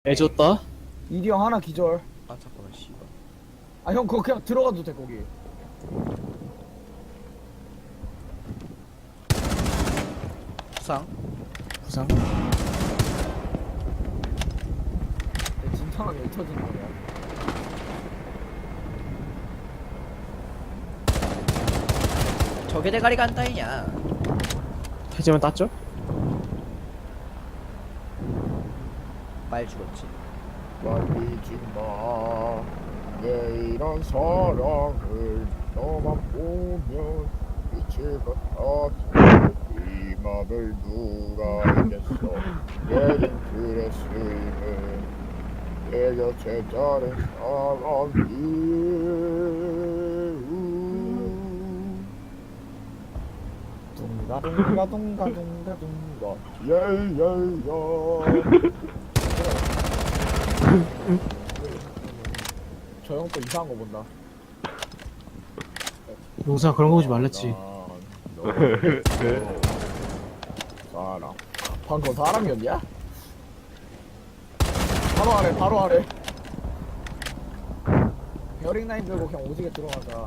애줬다? 이리 형 하나 기절. 아 잠깐만 씨발. 아 형 그거 그냥 들어가도 돼 거기. 부상. 부상? 내 진탕하게 왜 터지는 거야? 저게 대가리가 안 따이냐. 해제만 땄죠? 말 죽었지. 말리지 마. 내일한 사랑을 너만 보면 빛을 같아. 이 맘을 누가 알겠어. 내린 드레스는 내 곁에 다른 사람이 둥가 둥가 둥가 둥가. 예예예. 저 형 또 이상한 거 본다. 용사 그런 거 보지 말랬지. 사랑. 방금 사람이었냐? 바로 아래 바로 아래. 베어링 라인 들고 그냥 오지게 들어가자.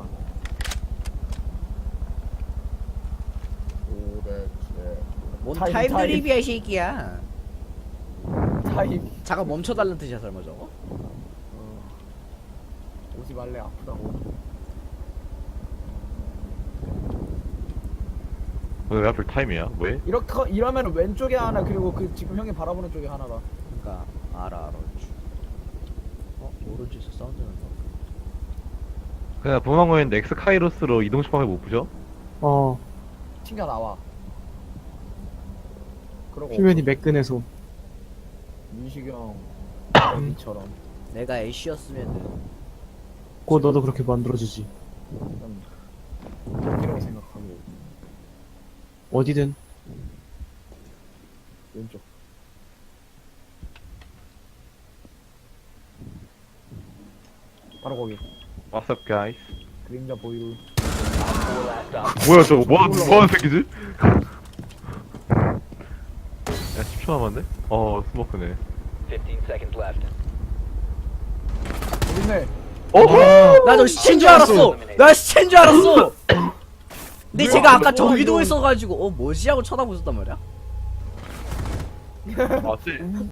도대체 뭔 타임, 타임 타임. 드립이야 이 새끼야. 타임. 잠깐 멈춰달라는 뜻이야 설마 저거? 오지 말래 아프다고. 왜 하필 타임이야? 왜? 이러면 왼쪽에 하나 그리고 그 지금 형이 바라보는 쪽에 하나다. 그니까 알아. 오른쪽에서 사운드 난다. 그냥 도망가는데 엑스 카이로스로 이동 시방을 못 보죠? 어, 튕겨 나와. 그러고 휴면이 매끈해서. 민식이 형 이처럼 내가 애쉬였으면은 곧 너도 그렇게 만들어주지. 이라고 생각하고 어디든. 왼쪽. 바로 거기. What's up, guys? 그림자 보이루. 뭐야 저거 뭐하는 새끼지? 야 10초 남았네? 스모크네. 15 seconds left. 어딨네. 나저 시체인 줄 알았어. 나 시체인 줄 알았어. 근데 제가 아까 저기도 있어가지고 뭐지 하고 쳐다보셨단 말이야. 맞지?